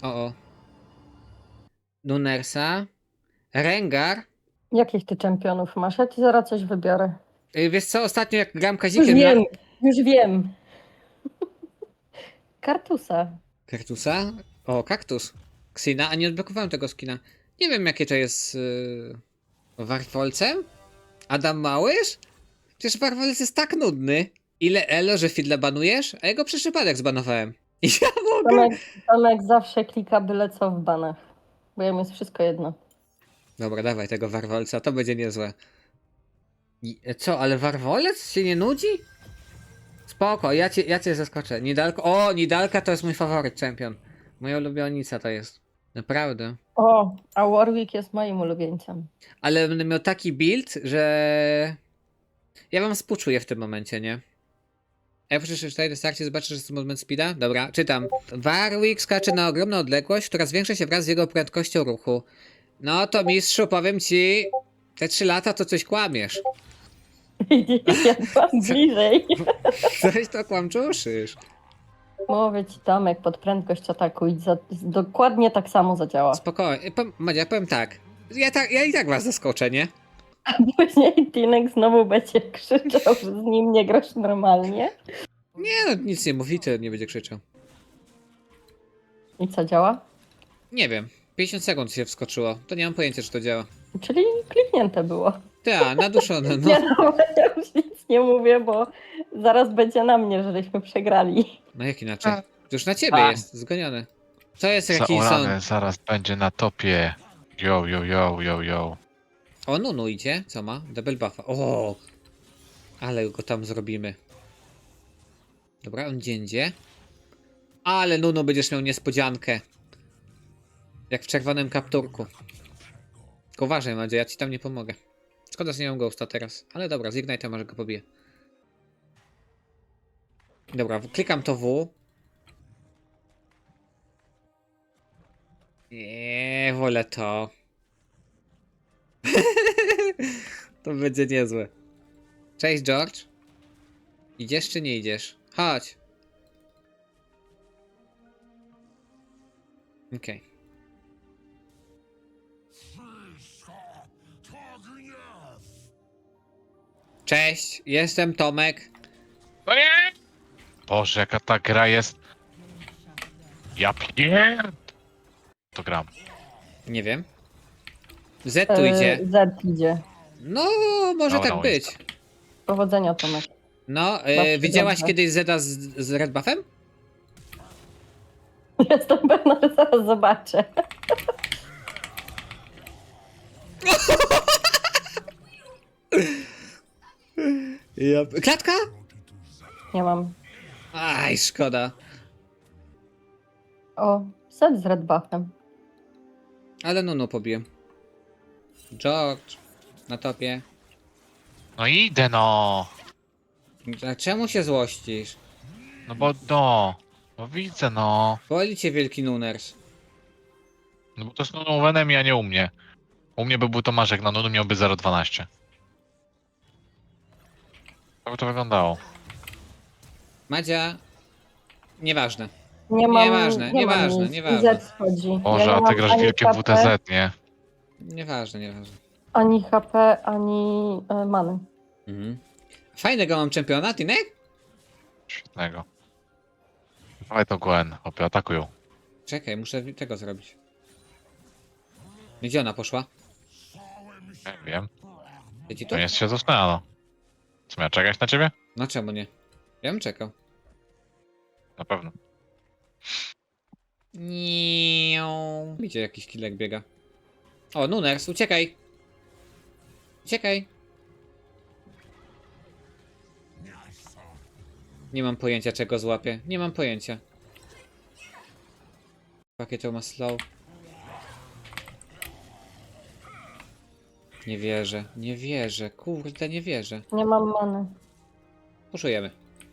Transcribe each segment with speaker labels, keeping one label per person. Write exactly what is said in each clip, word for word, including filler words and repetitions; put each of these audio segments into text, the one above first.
Speaker 1: O, o. Nunersa. Rengar.
Speaker 2: Jakich ty czempionów masz? Ja ci zaraz coś wybiorę.
Speaker 1: Y, Wiesz co, ostatnio jak gram
Speaker 2: Już
Speaker 1: Kazikiem
Speaker 2: wiem,
Speaker 1: na...
Speaker 2: już wiem. Kartusa.
Speaker 1: Kaktusa? O, kaktus. Xina, a nie odblokowałem tego skina. Nie wiem jakie to jest... Yy... Warfolcem? Adam Małysz? Przecież Warfolc jest tak nudny. Ile elo, że Fidla banujesz? A jego przez przypadek zbanowałem. I ja mogę...
Speaker 2: Tomek, Tomek zawsze klika byle co w banach. Bo jemu jest wszystko jedno.
Speaker 1: Dobra, dawaj tego Warwolca, to będzie niezłe. I, co, ale Warwolec się nie nudzi? Spoko, ja cię, ja cię zaskoczę. Nidalko, o, Nidalka to jest mój faworyt czempion. Moja ulubionica to jest. Naprawdę.
Speaker 2: O, a Warwick jest moim ulubieńcem.
Speaker 1: Ale będę miał taki build, że... Ja wam współczuję w tym momencie, nie? F trzy cztery na starcie zobaczysz, że jest movement speeda? Dobra, czytam. Warwick skacze na ogromną odległość, która zwiększa się wraz z jego prędkością ruchu. No to mistrzu, powiem ci, te trzy lata to coś kłamiesz.
Speaker 2: Ja byłam bliżej.
Speaker 1: Coś to kłamczuszysz.
Speaker 2: Mówię ci, Tomek, pod prędkość atakuj. Za, dokładnie tak samo zadziała.
Speaker 1: Spokojnie, Powiem- Madzia, powiem tak. Ja, tak. ja i tak was zaskoczę, nie?
Speaker 2: A później Tinek znowu będzie krzyczał, że z nim nie grasz normalnie.
Speaker 1: Nie no, nic nie mówi, to nie będzie krzyczał.
Speaker 2: I co działa?
Speaker 1: Nie wiem, pięćdziesiąt sekund się wskoczyło, to nie mam pojęcia, czy to działa.
Speaker 2: Czyli kliknięte było.
Speaker 1: Ta, naduszone,
Speaker 2: Nie
Speaker 1: no.
Speaker 2: no, ja już nic nie mówię, bo zaraz będzie na mnie, żeśmy przegrali.
Speaker 1: No jak inaczej? To już na ciebie
Speaker 3: A.
Speaker 1: jest, zgonione. To jest jakiś są...
Speaker 3: Zaorane zaraz będzie na topie. Yo, yo, yo, yo, yo.
Speaker 1: O, Nunu idzie, co ma? Double buffa. O, ale go tam zrobimy. Dobra, on dziędzie. Ale Nunu będziesz miał niespodziankę. Jak w czerwonym kapturku. Tylko uważaj, Madzia, ja ci tam nie pomogę. Szkoda, że nie mam ghosta teraz. Ale dobra, z Ignite'a może go pobiję. Dobra, klikam to W. Nie, wolę to. To będzie niezłe. Cześć, George. Idziesz czy nie idziesz? Chodź. Okej. Okay. Cześć, jestem Tomek.
Speaker 3: No nie! Boże, jaka ta gra jest. Ja pierd... To gram.
Speaker 1: Nie wiem. Z tu idzie.
Speaker 2: E, Z idzie.
Speaker 1: No, może
Speaker 3: Dobra,
Speaker 1: tak
Speaker 3: no
Speaker 1: być.
Speaker 2: Powodzenia, Tomek.
Speaker 1: No, e,
Speaker 2: Zawsze
Speaker 1: widziałaś
Speaker 2: dobrze.
Speaker 1: kiedyś Zeda z, z Red Buffem?
Speaker 2: Jestem pewna, że zaraz zobaczę.
Speaker 1: Ja... Klatka?
Speaker 2: Nie mam.
Speaker 1: Aj, szkoda.
Speaker 2: O, set z red buffem.
Speaker 1: Ale no, no, pobiłem. George, na topie.
Speaker 3: No idę no!
Speaker 1: A czemu się złościsz?
Speaker 3: No bo no. No widzę no.
Speaker 1: Boli cię wielki Nuners.
Speaker 3: No bo to jest Nunu Venom, a nie u mnie. U mnie by był Tomaszek, na Nunu miałby zero przecinek dwanaście. Tak by to wyglądało.
Speaker 1: Madzia... Nieważne.
Speaker 2: Nie mam.
Speaker 1: Nieważne,
Speaker 2: nie
Speaker 1: nieważne,
Speaker 2: mam nic.
Speaker 1: nieważne.
Speaker 2: I Z wchodzi.
Speaker 3: Boże,
Speaker 2: Ja nie
Speaker 3: a ty
Speaker 2: mam
Speaker 3: grasz
Speaker 2: ani
Speaker 3: wielkie
Speaker 2: H P,
Speaker 3: W T Z, nie?
Speaker 1: Nieważne, nieważne.
Speaker 2: Ani H P, ani e, many.
Speaker 1: Mhm. Fajnego mam czempiona, Tinek?
Speaker 3: Świetnego. Dawaj to Gwen, opie, atakują.
Speaker 1: Czekaj, muszę tego zrobić. Gdzie ona poszła?
Speaker 3: Nie wiem.
Speaker 1: Siedzi tu?
Speaker 3: To jest się zasnęła, no. Co, miała czekać na ciebie?
Speaker 1: No czemu nie? Ja bym czekał.
Speaker 3: Na pewno.
Speaker 1: Niu. Widzicie, jakiś killek biega. O, Nuners, uciekaj! Uciekaj! Nie mam pojęcia, czego złapię. Nie mam pojęcia. Jakie to ma slow. Nie wierzę, nie wierzę, kurde, nie wierzę.
Speaker 2: Nie mam many.
Speaker 1: Puszujemy.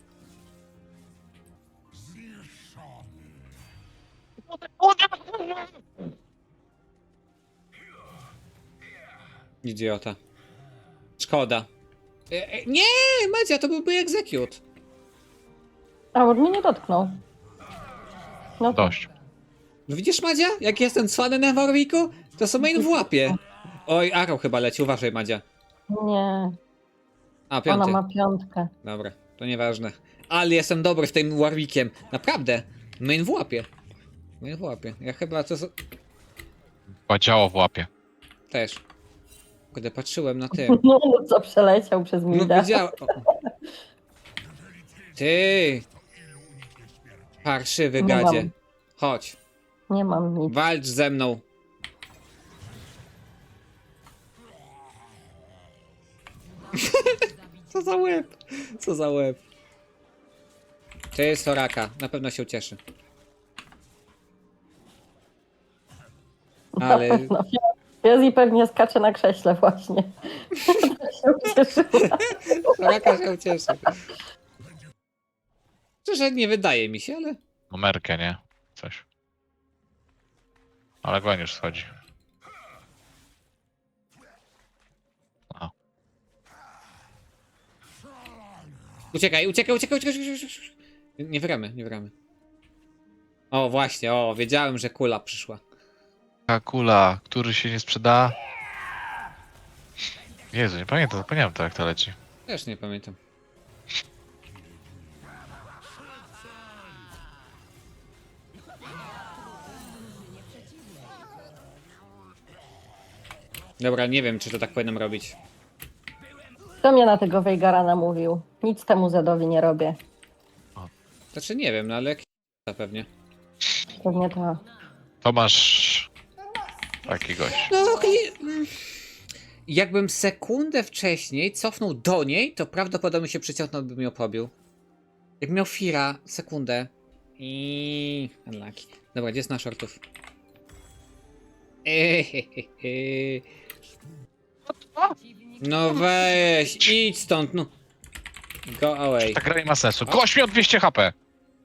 Speaker 1: Idiota. Szkoda. E, e, nie, Madzia, to byłby execute.
Speaker 2: A on mnie nie dotknął. No to
Speaker 3: Dość.
Speaker 1: No widzisz, Madzia? Jak jestem cwany na Warwicku? To są main w łapie. Oj, Arrow chyba leci, uważaj, Madzia.
Speaker 2: Nie,
Speaker 1: A,
Speaker 2: ona
Speaker 1: piąty.
Speaker 2: ma piątkę.
Speaker 1: Dobra, to nieważne. Ale jestem dobry w tym Warwickiem. Naprawdę. Main w łapie. Main w łapie. Ja chyba to... z-
Speaker 3: Chyba działo w łapie.
Speaker 1: Też. Kiedy patrzyłem na tym.
Speaker 2: No, no co przeleciał przez
Speaker 1: No
Speaker 2: Mida.
Speaker 1: wiedziałem. O. Ty! Parszywy
Speaker 2: Nie
Speaker 1: gadzie.
Speaker 2: mam.
Speaker 1: Chodź.
Speaker 2: Nie mam nic.
Speaker 1: Walcz ze mną. Co za łeb? Co za łeb? Ty, Soraka. Na pewno się ucieszy. Ale...
Speaker 2: No, Fiozji pewnie skacze na krześle właśnie. Tak się ucieszyła.
Speaker 1: Soraka się ucieszy. Szczerze, nie wydaje mi się, ale...
Speaker 3: Numerkę, nie? Coś. Ale Gwen już schodzi. A.
Speaker 1: Uciekaj, uciekaj, uciekaj, uciekaj, uciekaj, uciekaj. Nie wyramy, nie wyramy. O, właśnie, o, wiedziałem, że kula przyszła.
Speaker 3: Ta kula, który się nie sprzeda. Jezu, nie pamiętam, zapomniałem to jak to leci.
Speaker 1: Też nie pamiętam. Dobra, nie wiem, czy to tak powinienem robić.
Speaker 2: Kto mnie na tego Weigara namówił? Nic temu Zedowi nie robię.
Speaker 1: Znaczy nie wiem, no ale jak pewnie.
Speaker 2: Pewnie to.
Speaker 3: To masz taki gość.
Speaker 1: No, kli- mm. Jakbym sekundę wcześniej cofnął do niej, to prawdopodobnie się przyciągnął, bym ją pobił. Jak miał Fira, sekundę. I unlucky. Dobra, gdzie jest na shortów? Ehehehe. No weź, idź stąd, no. Go away.
Speaker 3: Ta gra nie ma sensu. Gość miał dwieście H P!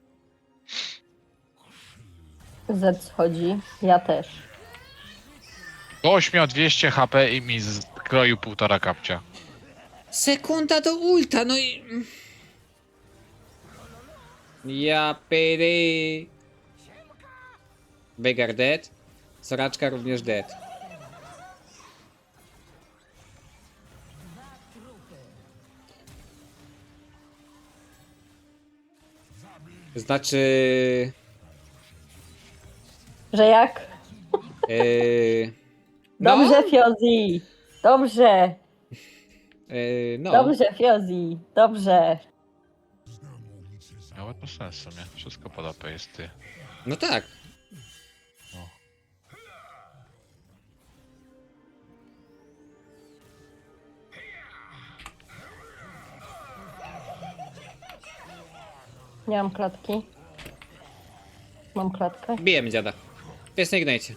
Speaker 2: Z schodzi. Ja też.
Speaker 3: Gość miał dwieście H P i mi skroił półtora kapcia.
Speaker 1: Sekunda do ulta, no i... Ja pyry. Veigar dead. Soraczka również dead. Znaczy...
Speaker 2: Że jak?
Speaker 1: Yy, no,
Speaker 2: Dobrze, Fiozji! Dobrze!
Speaker 1: yy, no.
Speaker 2: Dobrze, Fiozji! Dobrze!
Speaker 3: Miało to sens w sumie. Wszystko pod A P jest ty.
Speaker 1: No tak.
Speaker 3: No.
Speaker 2: Nie mam klatki. Mam klatkę.
Speaker 1: Bijemy dziada. Pies nie gnajcie.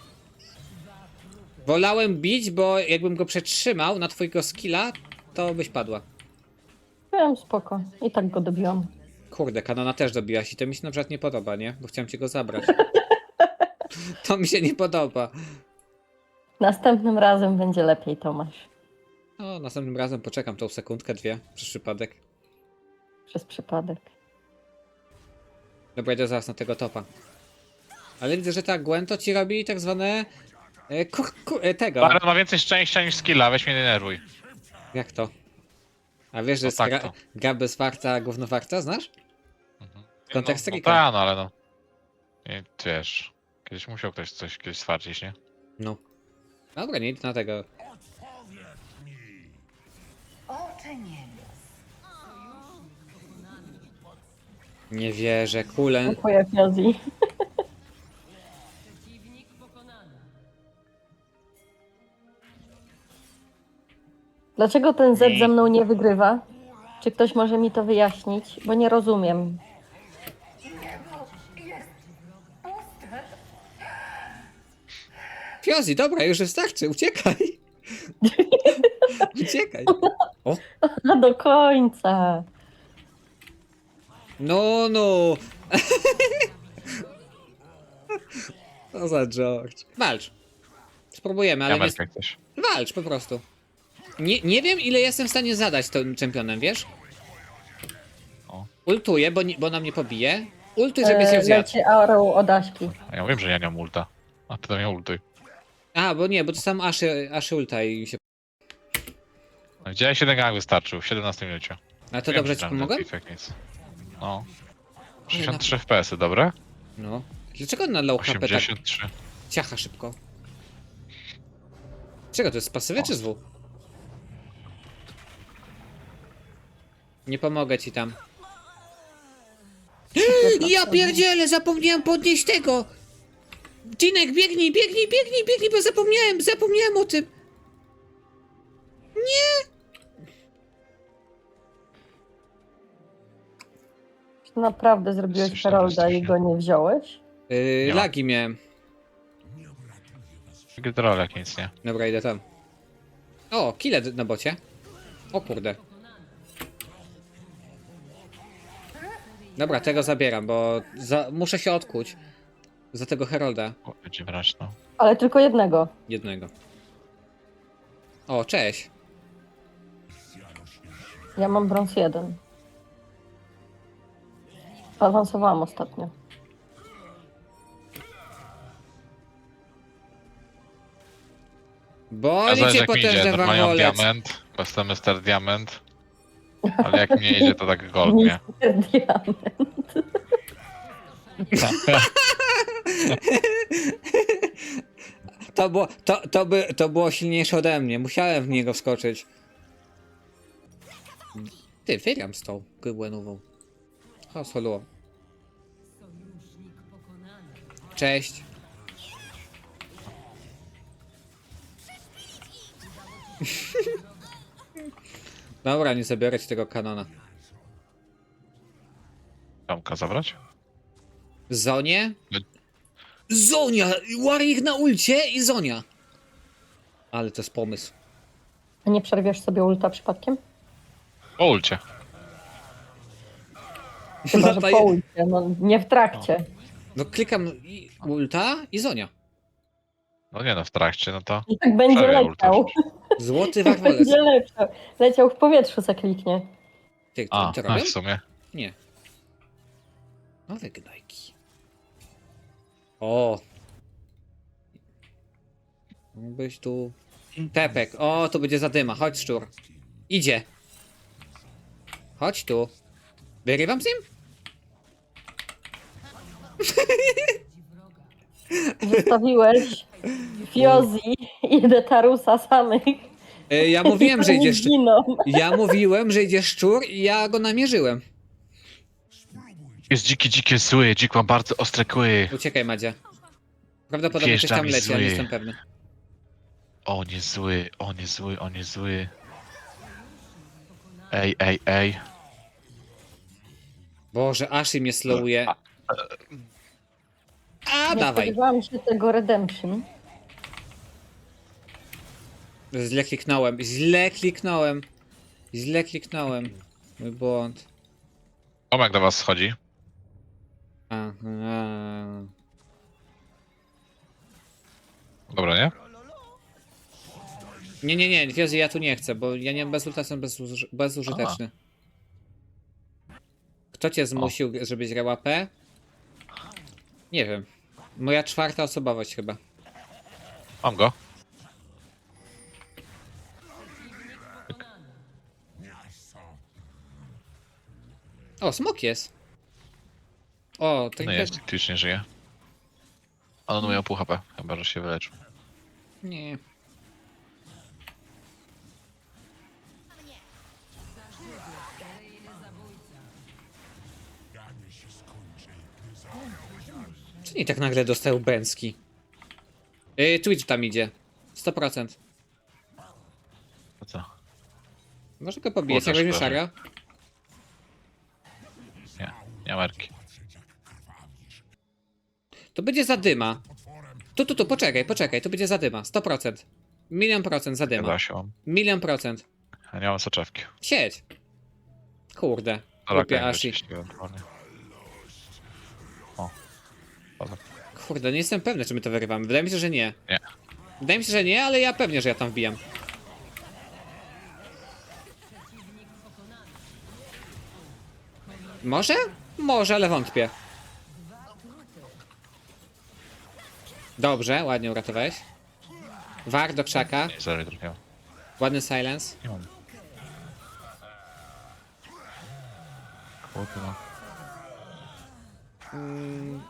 Speaker 1: Wolałem bić, bo jakbym go przetrzymał na twojego skilla, to byś padła.
Speaker 2: Byłem spoko. I tak go dobiłam.
Speaker 1: Kurde, kanona też dobiłaś i to mi się na przykład nie podoba, nie? Bo chciałem ci go zabrać. To mi się nie podoba.
Speaker 2: Następnym razem będzie lepiej, Tomasz.
Speaker 1: No, następnym razem poczekam tą sekundkę, dwie, przez przypadek.
Speaker 2: Przez przypadek.
Speaker 1: Dobra, idę zaraz na tego topa. Ale widzę, że ta Gwen to ci robi tak zwane... E, kur, kur, e, tego.
Speaker 3: Baron ma więcej szczęścia niż skilla, weź mnie denerwuj.
Speaker 1: Jak to? A wiesz, że
Speaker 3: No
Speaker 1: jest
Speaker 3: tak
Speaker 1: gra,
Speaker 3: to.
Speaker 1: gra bez farta, gówno farta, znasz?
Speaker 3: Mhm.
Speaker 1: Kontekst
Speaker 3: no, no
Speaker 1: Rika.
Speaker 3: tak, no ale no. I, wiesz, kiedyś musiał ktoś coś kiedyś stwardzić, nie?
Speaker 1: No. Dobra, nie idę na tego.
Speaker 4: Oczy nie.
Speaker 1: Nie wierzę, kulen.
Speaker 2: Dziękuję, Fiozji. Dlaczego ten Z ze mną nie wygrywa? Czy ktoś może mi to wyjaśnić? Bo nie rozumiem.
Speaker 1: Fiozi, dobra, już wystarczy, uciekaj. Uciekaj. O,
Speaker 2: A do końca.
Speaker 1: no, no. Co za George. Walcz. Spróbujemy, ale
Speaker 3: Ja
Speaker 1: nie...
Speaker 3: jak coś.
Speaker 1: Walcz po prostu. Nie, nie wiem, ile jestem w stanie zadać tym czempionem, wiesz?
Speaker 3: O.
Speaker 1: Ultuję, bo, nie, bo na mnie pobije. Ultuj, żebyś się
Speaker 2: E,
Speaker 1: zjadł.
Speaker 2: leci arrow od Aśki.
Speaker 3: A ja wiem, że ja nie mam ulta. A ty to nie ultuj.
Speaker 1: A, bo nie, bo to sam Aszy, Aszy ulta i się...
Speaker 3: No, Widziałeś, jeden gang wystarczył w siedemnastym minucie.
Speaker 1: A to
Speaker 3: Wiem,
Speaker 1: dobrze
Speaker 3: że
Speaker 1: ci
Speaker 3: tam
Speaker 1: pomogłem?
Speaker 3: Defekt nic. No. sześćdziesiąt trzy F P S-y, dobre?
Speaker 1: No. Dlaczego on na low H P tak
Speaker 3: osiemdziesiąt trzy.
Speaker 1: ciacha szybko? Czego to jest, z pasywy czy z W? Nie pomogę ci tam. Ja pierdzielę, zapomniałem podnieść tego! Cinek, biegnij, biegnij, biegnij, biegnij, bo zapomniałem, zapomniałem o tym!
Speaker 2: Naprawdę zrobiłeś
Speaker 3: Jesteś
Speaker 2: Herolda i
Speaker 3: fantastyczny.
Speaker 2: go nie wziąłeś?
Speaker 1: Yy,
Speaker 3: Nie ma.
Speaker 1: lagi miałem.
Speaker 3: Gydrolek nic nie.
Speaker 1: Dobra, idę tam. O, killet na bocie. O kurde. Dobra, tego zabieram, bo za, muszę się odkuć. Za tego Herolda.
Speaker 3: O, będzie brać, no.
Speaker 2: Ale tylko jednego.
Speaker 1: Jednego. O, cześć.
Speaker 2: Ja mam brąz jeden. Awansowałam ostatnio.
Speaker 3: Ja
Speaker 1: Boli
Speaker 3: zależy
Speaker 1: cię
Speaker 3: jak mi idzie,
Speaker 1: potężny
Speaker 3: normalnie mam
Speaker 1: warholec.
Speaker 3: diament, bo jestem mister Diament. Ale jak mi nie idzie, to tak gold, nie?
Speaker 2: Mister Diament.
Speaker 1: To było, to, to, by, to było silniejsze ode mnie. Musiałem w niego wskoczyć. Ty, wygram z tą Gwenową. O, solo. Cześć. Dobra, nie zabiorę ci tego kanona.
Speaker 3: Tomka zabrać?
Speaker 1: Zonie?
Speaker 3: No.
Speaker 1: Zonia! Warrior na ulcie i Zonia! Ale to jest pomysł.
Speaker 2: A nie przerwiesz sobie ulta przypadkiem?
Speaker 3: O ulcie.
Speaker 2: Chyba, że
Speaker 1: to
Speaker 2: po
Speaker 1: je-
Speaker 2: ulcie, no nie w trakcie.
Speaker 1: No klikam i ulta i Zonia.
Speaker 3: No nie no, w trakcie, no to...
Speaker 2: I tak będzie
Speaker 3: Przerwę ulta.
Speaker 2: leciał.
Speaker 1: Złoty
Speaker 2: Tak
Speaker 1: warholec.
Speaker 2: będzie leciał. Leciał w powietrzu, zakliknie.
Speaker 1: Ty,
Speaker 3: A,
Speaker 1: to, to
Speaker 3: a
Speaker 1: robią?
Speaker 3: w sumie.
Speaker 1: Nie. Nowe gnajki. O! Byś tu... Pepek. O, to będzie zadyma. Chodź, szczur. Idzie. Chodź tu. Wyrywam z nim?
Speaker 2: Zostawiłeś Fiozi i Detarusa samych.
Speaker 1: E, ja mówiłem, że
Speaker 2: Oni
Speaker 1: idzie szczur.
Speaker 2: giną.
Speaker 1: Ja mówiłem, że idzie szczur i ja go namierzyłem.
Speaker 3: Jest dziki, dziki, zły, dzik ma bardzo ostre kły.
Speaker 1: Uciekaj, Madzia. Prawdopodobnie
Speaker 3: Wjeżdża
Speaker 1: coś tam
Speaker 3: mi
Speaker 1: leci, ale nie
Speaker 3: zły.
Speaker 1: jestem pewny.
Speaker 3: On jest zły, on jest zły, on jest zły. Ej, ej, ej.
Speaker 1: Boże, Ashi mnie slowuje. A,
Speaker 2: Nie
Speaker 1: dawaj.
Speaker 2: spodziewałam się tego Redemption.
Speaker 1: Źle kliknąłem, źle kliknąłem. Źle kliknąłem. Mój błąd.
Speaker 3: Tomek do was schodzi.
Speaker 1: A, a.
Speaker 3: Dobra, nie?
Speaker 1: Nie, nie, nie, Fiozy, ja tu nie chcę, bo ja nie mam bez ulta, jestem bezuży bezużyteczny. Kto cię zmusił, żebyś grał A P? Nie wiem. Moja czwarta osobowość chyba.
Speaker 3: Mam go.
Speaker 1: O, smok jest. O, to
Speaker 3: No
Speaker 1: nie.
Speaker 3: jest, Twitch nie żyje. On miał pół H P, chyba że się wyleczył.
Speaker 1: Nie. Czy nie tak nagle dostał Bęcki? Yy, Twitch tam idzie. sto procent.
Speaker 3: To co?
Speaker 1: Może go pobijesz, jak
Speaker 3: Kurde,
Speaker 1: weźmie
Speaker 3: szkoda.
Speaker 1: Sharia?
Speaker 3: Nie, nie marki.
Speaker 1: To będzie zadyma. Tu, tu, tu, poczekaj, poczekaj, to będzie zadyma. sto procent. Milion procent zadyma.
Speaker 3: Chyba się mam.
Speaker 1: Milion procent.
Speaker 3: Ja nie mam soczewki.
Speaker 1: Siedź. Kurde.
Speaker 3: Ale
Speaker 1: Głupia Ashi.
Speaker 3: O. Dobra.
Speaker 1: Kurde, nie jestem pewny, czy my to wyrywamy. Wydaje mi się, że nie.
Speaker 3: Nie.
Speaker 1: Wydaje mi się, że nie, ale ja pewnie, że ja tam wbijam. Może? Może, ale wątpię. Dobrze, ładnie uratowałeś. War do krzaka.
Speaker 3: Nie, sorry, trochę.
Speaker 1: Ładny silence.
Speaker 3: Nie mam. Kurwa.
Speaker 1: Mm.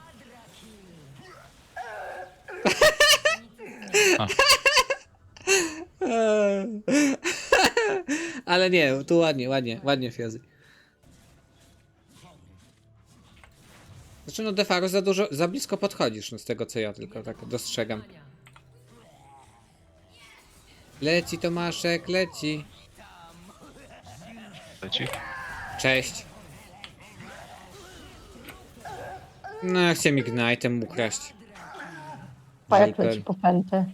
Speaker 3: A.
Speaker 1: Ale nie, tu ładnie, ładnie, ładnie Fiozy. Znaczy no Defaru za dużo, za blisko podchodzisz, no z tego co ja tylko tak dostrzegam. Leci Tomaszek, leci.
Speaker 3: Leci?
Speaker 1: Cześć. No, chciałem Ignite'em ukraść.
Speaker 2: Pajak
Speaker 1: Żejpel.
Speaker 2: leci po pętę.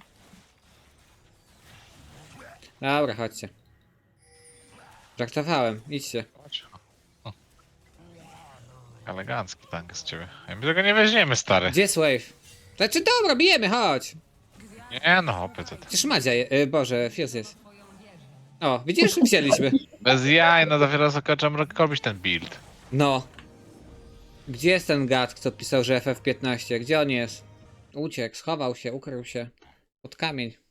Speaker 1: Dobra, chodźcie. Żartowałem, idźcie.
Speaker 3: Chodź. O. Elegancki tank z ciebie. My tego nie weźmiemy, stary.
Speaker 1: Gdzie jest Wave? Znaczy dobra, bijemy, chodź.
Speaker 3: Nie no, hopy to.
Speaker 1: Przecież Madzia, je, y, Boże, Fios jest. O, widzisz, wzięliśmy.
Speaker 3: Bez jaj, no dopiero zakończam robić ten build.
Speaker 1: No. Gdzie jest ten gad, kto pisał, że F F piętnaście? Gdzie on jest? Uciekł, schował się, ukrył się. Pod kamień.